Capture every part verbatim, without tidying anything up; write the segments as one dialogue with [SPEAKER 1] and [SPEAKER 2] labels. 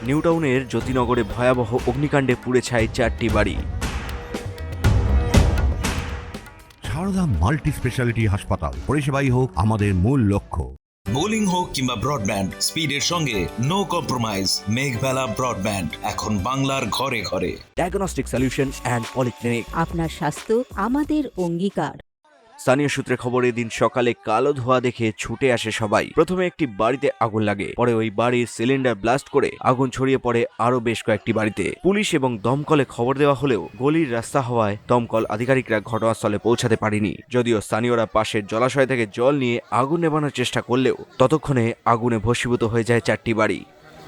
[SPEAKER 1] নিউটাউনের জ্যোতিনগরে ভয়াবহ অগ্নিকাণ্ডে পুড়ে ছাই চারটি বাড়ি।
[SPEAKER 2] সারদা মাল্টি স্পেশালিটি হাসপাতাল, পরিষেবাই হোক আমাদের মূল লক্ষ্য।
[SPEAKER 3] বোলিং হোক কিংবা ব্রডব্যান্ড, স্পিডের সঙ্গে নো কম্প্রোমাইজ। মেঘবেলা ব্রডব্যান্ড এখন বাংলার ঘরে ঘরে।
[SPEAKER 1] Diagnostic solution and polyclinic.
[SPEAKER 4] আপনার স্বাস্থ্য আমাদের অঙ্গীকার।
[SPEAKER 1] স্থানীয় সূত্রে খবর, এদিন সকালে কালো ধোঁয়া দেখে ছুটে আসে সবাই। প্রথমে একটি বাড়িতে আগুন লাগে, পরে ওই বাড়ির সিলিন্ডার ব্লাস্ট করে আগুন ছড়িয়ে পড়ে আরো বেশ কয়েকটি বাড়িতে। পুলিশ এবং দমকলে খবর দেওয়া হলেও গলির রাস্তা হওয়ায় দমকল আধিকারিকরা ঘটনাস্থলে পৌঁছাতে পারেনি। যদিও স্থানীয়রা পাশের জলাশয় থেকে জল নিয়ে আগুন নেভানোর চেষ্টা করলেও ততক্ষণে আগুনে ভস্মীভূত হয়ে যায় চারটি বাড়ি।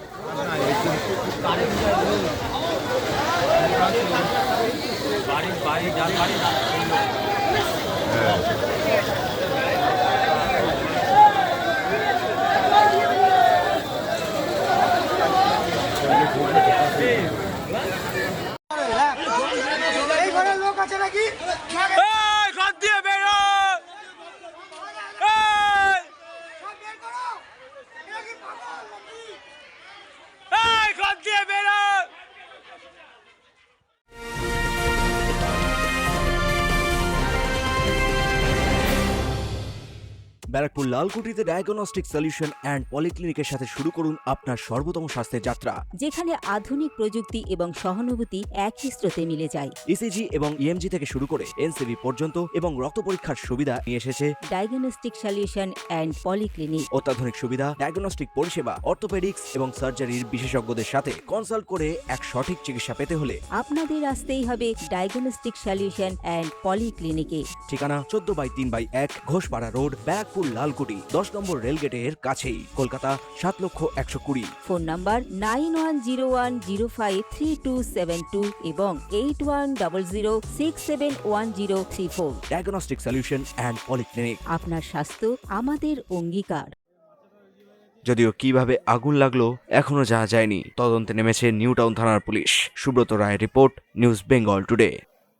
[SPEAKER 1] ব্যারাকপুর লালকুটিতে ডায়াগনস্টিক সলিউশন অ্যান্ড পলিক্লিনিকের সাথে শুরু করুন আপনার সর্বোত্তম স্বাস্থ্যের যাত্রা,
[SPEAKER 4] যেখানে আধুনিক প্রযুক্তি এবং সহানুভূতি একই স্রোতে মিলে যায়।
[SPEAKER 1] ইসিজি এবং ইএমজি থেকে শুরু করে এনসিবি পর্যন্ত এবং রক্ত পরীক্ষার সুবিধা নিয়ে এসেছে
[SPEAKER 4] ডায়াগনস্টিক সলিউশন অ্যান্ড পলিক্লিনিক।
[SPEAKER 1] অত্যাধুনিক সুবিধা, ডায়াগনস্টিক পরিষেবা, অর্থোপেডিক্স এবং সার্জারির বিশেষজ্ঞদের সাথে কনসাল্ট করে এক সঠিক চিকিৎসা পেতে হলে
[SPEAKER 4] আপনাদের আসতেই হবে ডায়াগনস্টিক সলিউশন অ্যান্ড পলিক্লিনিকে।
[SPEAKER 1] ঠিকানা চোদ্দ বাই তিন বাই এক ঘোষপাড়া রোড, ব্যারাকপুর লালকুটি, দশ নম্বর রেলগেটের কাছেই, কলকাতা সাত লক্ষ একশো কুড়ি।
[SPEAKER 4] Phone number nine one zero one zero five three two seven two এবং eight one double zero six seven one zero three four.
[SPEAKER 1] Diagnostic solution and polyclinic.
[SPEAKER 4] আপনার স্বাস্থ্য আমাদের অঙ্গীকার।
[SPEAKER 1] যদিও কিভাবে আগুন লাগলো এখনো জানা যায়নি। তদন্তে নেমেছে নিউটাউন থানার পুলিশ। সুব্রত রায়ের রিপোর্ট, নিউজ বেঙ্গল টুডে।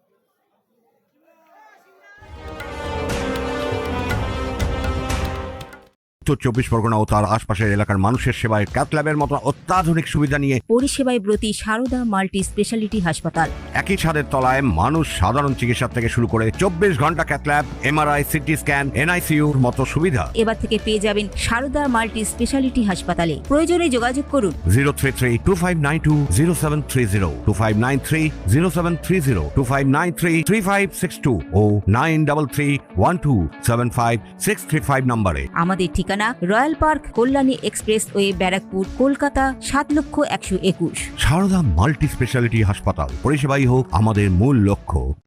[SPEAKER 2] উত্তর চব্বিশ পরগনা ও তার আশপাশের এলাকার মানুষের সেবায় ক্যাথ ল্যাবের মতো অত্যাধুনিক সুবিধা নিয়ে
[SPEAKER 4] পরিষেবায় ব্রতী সারদা মাল্টি স্পেশালিটি হাসপাতাল।
[SPEAKER 2] একই ছাদের তলায় মানুষ সাধারণ চিকিৎসা থেকে শুরু করে চব্বিশ ঘন্টা cath lab, MRI, CT scan, এনআইসিইউর মতো সুবিধা
[SPEAKER 4] এবার থেকে পেয়ে যাবেন সারদা মাল্টি স্পেশালিটি হাসপাতালে। প্রয়োজনে যোগাযোগ করুন
[SPEAKER 2] zero three three two five nine two zero seven three zero two five nine three zero seven three zero two five nine three three five six two ও nine double three one two seven five six three five নম্বরে।
[SPEAKER 4] আমাদের ঠিকানা royal park, Kalyani expressway, Barrackpore, Kolkata সাত লক্ষ একশো একুশ।
[SPEAKER 2] Sarada multi speciality হাসপাতাল, পরিষেবাই হোক আমাদের মূল লক্ষ্য।